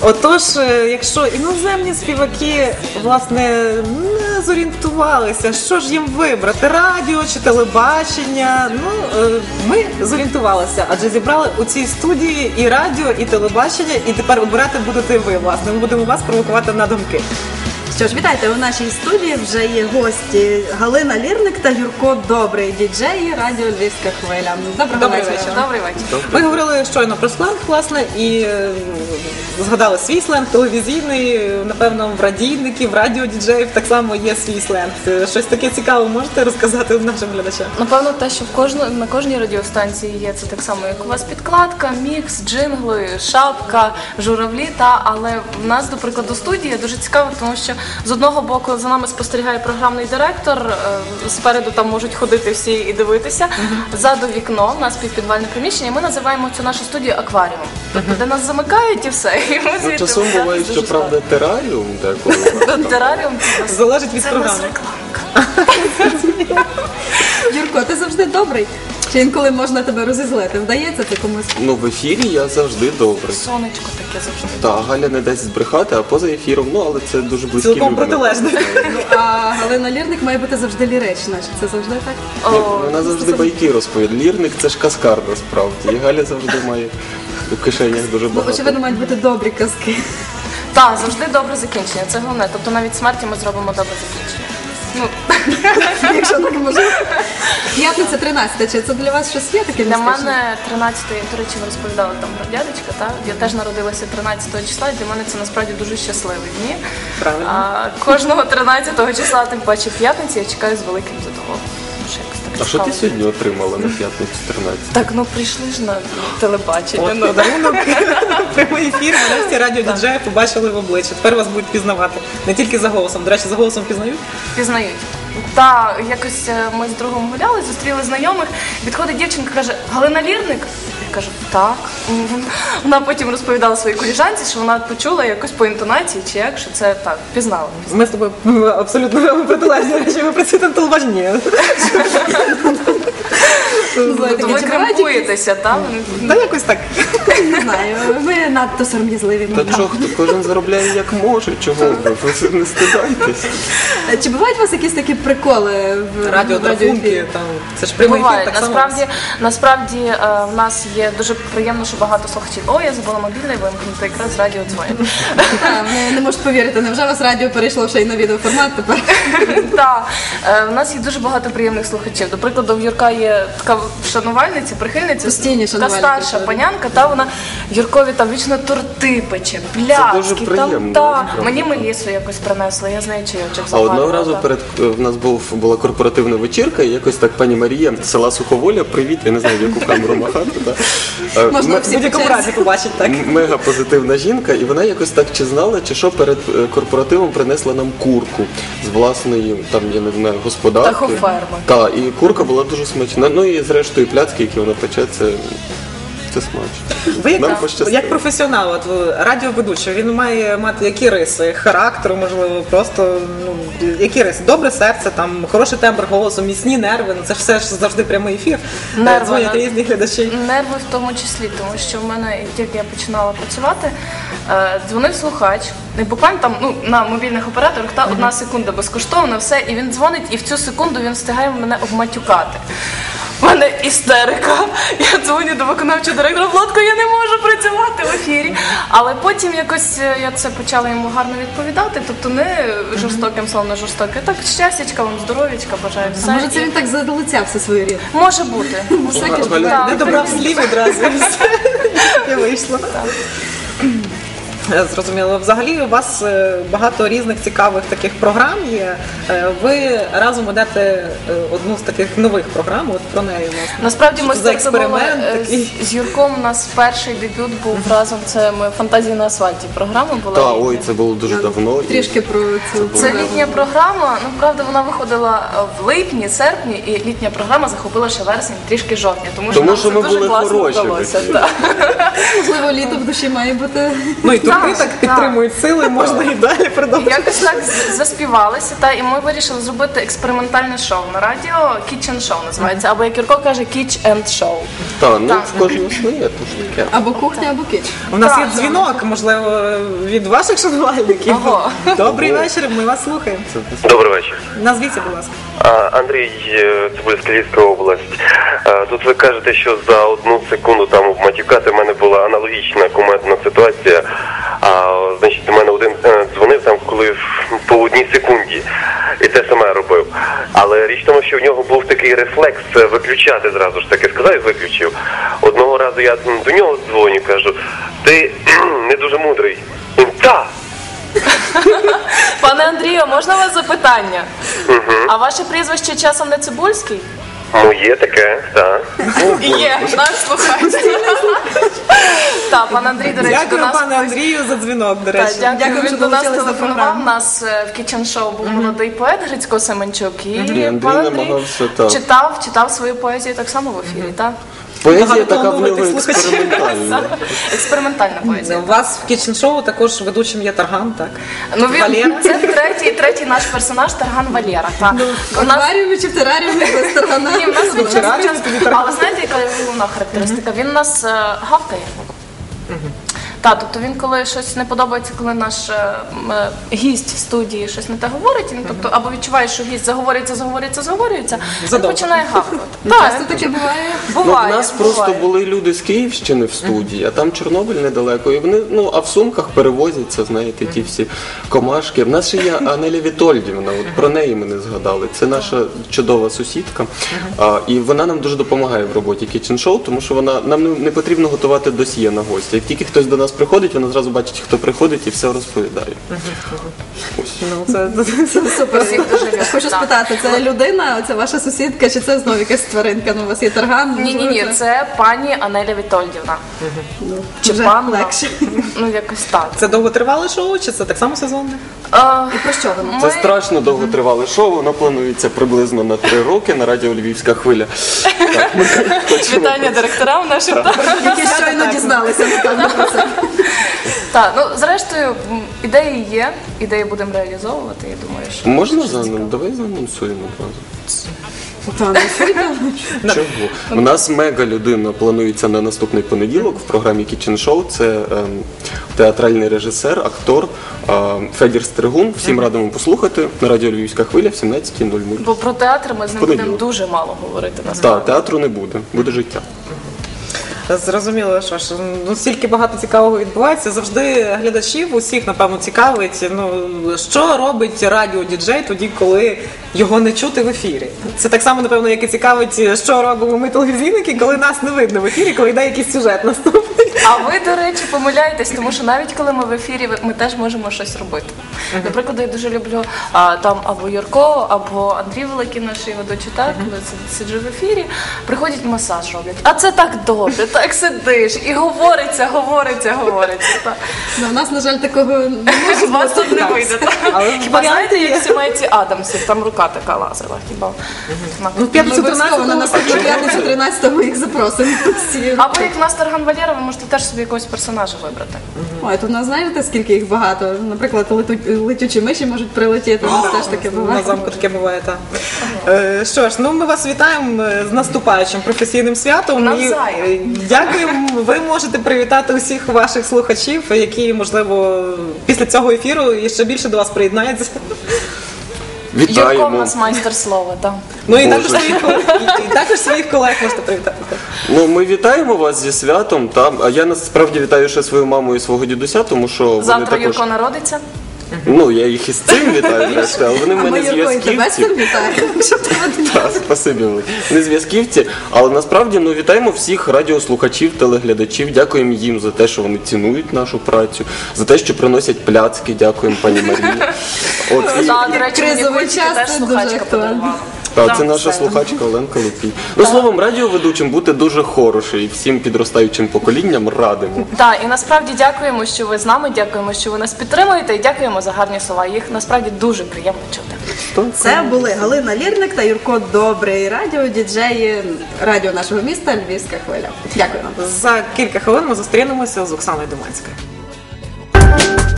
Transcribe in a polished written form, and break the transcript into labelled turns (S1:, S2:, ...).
S1: Отож, якщо іноземні співаки, власне, не зорієнтувалися, що ж їм вибрати, радіо чи телебачення, ми зорієнтувалися, адже зібрали у цій студії і радіо, і телебачення, і тепер обирати будете ви, власне. Ми будемо вас провокувати на думки.
S2: Що ж, вітайте, у нашій студії вже є гості Галина Лірник та Юрко Добрий, діджеї радіо «Львівська хвиля». Добрий вечір.
S3: Добрий вечір.
S1: Ми говорили щойно про сленг, власне, і згадали свій сленг телевізійний, напевно, в радійників, в радіодіджеїв так само є свій сленг. Щось таке цікаве можете розказати нашим глядачам?
S3: Напевно, те, що на кожній радіостанції є, це так само, як у вас підкладка, мікс, джингли, шапка, журавлі, але в нас, до прикладу, студія дуже цікаво, тому що з одного боку за нами спостерігає програмний директор, спереду там можуть ходити всі і дивитися, ззаду вікно, у нас півпідвальне приміщення, і ми називаємо цю нашу студію акваріумом, тобто де нас замикають і все. І ми звідти
S4: часом буває, що, правда, тераріум деколи.
S3: Тераріум
S1: залежить від програми.
S3: Це рекламка.
S2: Юрко, ти завжди добрий? Чи інколи можна тебе розізлити? Вдається ти комусь?
S4: В ефірі я завжди добрий.
S3: Сонечко таке завжди.
S4: Так, Галя не дасть збрехати, а поза ефіром, але це дуже близькі люди.
S1: Цілком протилежно.
S2: А Галина Лірник має бути завжди лірична. Чи це завжди так?
S4: Вона завжди байки розповідає. Лірник – це ж каскар, насправді. І Галя завжди має у кишенях дуже багато.
S2: Очевидно, мають бути добрі казки.
S3: Так, завжди добре закінчення, це головне. Тобто навіть смерті ми зробимо добре закінчення.
S2: Якщо так можна. П'ятниця 13, чи це для вас щось є таке
S3: Для
S2: містичне?
S3: мене 13-ї, до речі, ви розповідали там про дядечка, так? Я теж народилася 13 числа, і для мене це насправді дуже щасливі дні.
S1: Правильно.
S3: Кожного 13 числа, тим паче п'ятниці, я чекаю з великим задоволенням.
S4: А що ти сьогодні отримала на п'ятницю 14?
S3: Так, прийшли ж на телебачення.
S1: Подарунок, прямий ефір, мене всі радіодіджеї побачили в обличчя. Тепер вас будуть пізнавати. Не тільки за голосом. До речі, за голосом пізнають?
S3: Пізнають. Так, якось ми з другом гуляли, зустріли знайомих, підходить дівчинка, каже: Галина Лірник? Я кажу, так. Вона потім розповідала своїй коліжанці, що вона почула якось по інтонації, чи як, що це так, пізнала.
S1: Ми з тобою абсолютно протилежні речі, ми працюємо на телебаченні.
S3: То ви кремпуєтеся, так?
S1: Та якось так.
S2: Не знаю, ви надто сором'язливі.
S4: Та чого, кожен заробляє як може, чого ви не стидайтесь.
S2: Чи бувають у вас якісь такі приколи в
S1: Радіотрафунки, це ж прямий ефір,
S3: Буває.
S1: так само.
S3: Насправді в нас є дуже приємно, що багато слухачів. О, я забула мобільний вимкнути, якраз радіо дзвонять.
S2: Не можуть повірити, невже у вас радіо перейшло ще й на відеоформат тепер?
S3: Так, в нас є дуже багато приємних слухачів. До прикладу, в Юрка є така шанувальниця, прихильниця,
S2: Постійні
S3: така
S2: шанувальники,
S3: старша панянка, та вона Юркові там вічно торти пече,
S4: дуже
S3: пляцки,
S4: приємно,
S3: та.
S4: насправді.
S3: Мені Мелісу якось принесла, я з нею чайочок
S4: А
S3: заварила.
S4: одного разу в нас була корпоративна вечірка, і якось так пані Марія з села Суховоля, привіт, я не знаю, в яку камеру махати.
S2: Можна всі
S1: В будь-якому разі побачить, так.
S4: Мега позитивна жінка, і вона якось так чи знала, чи що перед корпоративом принесла нам курку з власної, там, я не знаю, господарки.
S3: Птахоферми.
S4: Так, і курка була дуже смачна. Ну і зрештою пляцки, які вона пече, це смачно.
S1: Ви
S4: Нам пощастило.
S1: як професіонал, радіоведучий, він має мати які риси? Характеру, можливо, просто, які риси? Добре серце, там, хороший тембр голосу, міцні нерви, це ж все ж завжди прямий ефір. Дзвонять різні глядачі.
S3: Нерви в тому числі, тому що в мене, як тільки я починала працювати, дзвонив слухач, і буквально там на мобільних операторах та 1 секунда безкоштовно, все, і він дзвонить, і в цю секунду він встигає мене обматюкати. У мене істерика. Я дзвоню до виконавчого директора, Владко, я не можу працювати в ефірі. Але потім якось я це почала йому гарно відповідати, тобто не жорстоким словом, не жорстоким. Так, щастячка вам, здоров'ячка, бажаю все.
S2: А може це він так залицяв все свою рід?
S3: Може бути.
S2: Всяке ж
S4: Галя,
S2: буває.
S1: Не добрав слів одразу. І вийшло. Зрозуміло. Взагалі у вас багато різних цікавих таких програм є. Ви разом ведете одну з таких нових програм, от про неї, власне.
S3: Насправді ми
S1: Що за експеримент
S3: стартували
S1: такий?
S3: з Юрком, у нас перший дебют був разом, це ми «Фантазії на асфальті» програма була.
S4: Та, ой, це було дуже давно.
S2: Трішки про цю
S3: Це літня програма, правда, вона виходила в липні, серпні, і літня програма захопила ще вересень, трішки жовтня, тому що
S4: Тому
S3: нам
S4: що
S3: це
S4: ми
S3: дуже
S4: були
S3: класно
S4: хороші в
S3: вдалося.
S4: ефірі.
S3: Так.
S2: можливо, літо душі має бути.
S1: Ну і турки
S3: Так,
S1: так підтримують сили, можна і далі продовжувати.
S3: Якось так заспівалися, і ми вирішили зробити експериментальне шоу на радіо. Kitchen Show називається, або як Юрко каже, Kitch and Show.
S4: Так, ну
S3: Так.
S4: в кожного своє, то ж таке.
S2: Або кухня, або кіч.
S1: У нас
S3: Так,
S1: є
S3: так.
S1: дзвінок, можливо, від ваших шанувальників.
S3: Ого.
S1: Добрий вечір, ми вас слухаємо.
S5: Добрий вечір.
S1: Назвіться, будь ласка.
S5: Андрій, Цибульська, Львівська область. Тут ви кажете, що за 1 секунду там матюкати в мене була аналогічна кумедна ситуація. Значить, у мене один дзвонив там, коли по 1 секунді. І те саме робив. Але річ в тому, що в нього був такий рефлекс виключати зразу ж таки. Сказав і виключив. Одного разу я до нього дзвоню, кажу, ти не дуже мудрий. Він, та!
S3: Пане Андрію, можна у вас запитання? А ваше прізвище часом не Цибульський?
S5: Ну, є таке, так.
S3: Є, наш слухач. Так, пан Андрій, до речі, до
S1: Дякую,
S3: нас.
S1: пане Андрію, за дзвінок, до речі.
S3: Дякую,
S2: що
S3: він до нас
S2: долучились до
S3: телефонував.
S2: програми.
S3: У нас в Kitchen Show був молодий поет Грицько Семенчук. І
S4: Андрій
S3: пан Андрій
S4: намагався, так.
S3: читав свою поезію так само в ефірі, так?
S4: Поезія така в
S1: Багатоплановитих
S4: нього
S1: слухачів.
S4: експериментальна.
S3: Експериментальна поезія.
S1: У вас в Kitchen Show також ведучим є Тарган, так?
S3: Ну, він,
S1: Валера.
S3: це третій наш персонаж Тарган Валєра. Так.
S2: В акваріумі чи в тераріумі без таргана.
S3: Ні, в нас він
S1: Вчора
S3: час.
S1: тобі Тарган.
S3: Але знаєте, яка його головна характеристика? Він нас гавкає. Так, тобто він, коли щось не подобається, коли наш гість в студії щось не те говорить, він, тобто, або відчуває, що гість заговорюється, він
S1: Задовго.
S3: починає гавкати.
S2: Часто таке буває.
S4: Ну, в
S3: Буває.
S4: нас просто
S3: буває.
S4: були люди з Київщини в студії, а там Чорнобиль недалеко. І вони, а в сумках перевозяться, знаєте, ті всі комашки. В нас ще є Анеля Вітольдівна, от про неї ми не згадали. Це наша чудова сусідка. І вона нам дуже допомагає в роботі Kitchen Show, тому що нам не потрібно готувати досьє на гостя. Як тільки хтось до нас приходить, вона зразу бачить, хто приходить, і все розповідає. Ось.
S1: Ну, це
S2: Супер.
S3: Всіх дуже люблю.
S2: Хочу
S3: Так.
S2: спитати, це людина, це ваша сусідка, чи це знову якась тваринка? Ну, у вас є тарган?
S3: Ні, це пані Анеля Вітольдівна. Чи
S2: Вже
S3: панна?
S2: легше.
S3: Ну, якось так.
S1: Це довготривале шоу, чи це так само сезонне?
S2: І про що воно?
S4: Це страшно довготривале шоу, воно планується приблизно на 3 роки на радіо Львівська хвиля. Так, ми хочемо-
S3: Вітання директорам нашим.
S2: Які щойно дізналися, напевно, про це.
S3: Так, ну зрештою, ідеї є, ідеї будемо реалізовувати, я думаю, що.
S4: Можна давай заанонсуємо одразу. Чого? У нас мега людина планується на наступний понеділок в програмі Kitchen Show. Це театральний режисер, актор Федір Стригун. Всім радимо послухати на радіо Львівська хвиля в 17:00.
S3: Бо про театр ми з ним
S4: Понеділок.
S3: будемо дуже мало говорити
S4: Так,
S3: насправді.
S4: театру не буде, буде життя.
S1: Зрозуміло, що ж, стільки багато цікавого відбувається. Завжди глядачів усіх, напевно, цікавить, що робить радіодіджей тоді, коли його не чути в ефірі. Це так само, напевно, як і цікавить, що робимо ми телевізійники, коли нас не видно в ефірі, коли йде якийсь сюжет наступний.
S3: А ви, до речі, помиляєтесь, тому що навіть коли ми в ефірі, ми теж можемо щось робити. Наприклад, я дуже люблю там або Юрко, або Андрій Великий, наш ведучий, так, коли сиджу в ефірі, приходять масаж роблять. А це так добре, так сидиш і говориться. Так.
S2: Ну, у нас, на жаль, такого не може
S3: У вас тут не вийде. так.
S1: Але
S3: Хіба знаєте,
S1: варіанти
S3: як в сімейці Адамсів, там рука така лазила, хіба?
S1: Ну, в п'ятницю
S2: Обов'язково на
S1: 13-го
S2: наступну п'ятницю 13-го їх запросимо. Всі.
S3: Або як в нас Тарган Валєра, ви можете теж собі якогось персонажа вибрати.
S2: Ой, тут у нас знаєте, скільки їх багато? Наприклад, летючі миші можуть прилетіти, у нас теж таке
S1: на
S2: буває.
S1: замку таке буває, так. Що ж, ми вас вітаємо з наступаючим професійним святом. І
S3: Навзаєм.
S1: дякуємо. Ви можете привітати усіх ваших слухачів, які, можливо, після цього ефіру ще більше до вас приєднаються.
S3: Юрко в
S4: Вітаємо.
S3: нас майстер слова, так.
S1: Ну і
S4: Боже.
S1: також своїх колег можете привітати.
S4: Ми вітаємо вас зі святом. А я насправді вітаю ще свою маму і свого дідуся, тому що вони
S3: Завтра
S4: також...
S3: Юрко народиться.
S4: Я їх із цим вітаю, зрештою, але вони в
S2: А ми
S4: мене
S2: Юрко і тебе з
S4: зв'язківці.
S2: цим вітаємо. Щоб тебе
S4: Так, спасибі велике. Не зв'язківці, але насправді вітаємо всіх радіослухачів, телеглядачів. Дякуємо їм за те, що вони цінують нашу працю, за те, що приносять пляцки. Дякуємо пані Марії. От,
S3: Так, до речі, мені
S2: кризовий
S3: Кульчики
S2: час
S3: теж
S2: це
S3: слухачка
S2: дуже актуально.
S3: подарувала.
S4: Та, це наша слухачка Оленка Лупій. Словом, радіоведучим бути дуже хороше і всім підростаючим поколінням радимо.
S3: Так, і насправді дякуємо, що ви з нами, дякуємо, що ви нас підтримуєте, і дякуємо за гарні слова. Їх насправді дуже приємно чути.
S2: Це були Галина Лірник та Юрко Добрий, радіо-діджеї радіо нашого міста Львівська хвиля. Дякую вам.
S1: За кілька хвилин ми зустрінемося з Оксаною Думанською.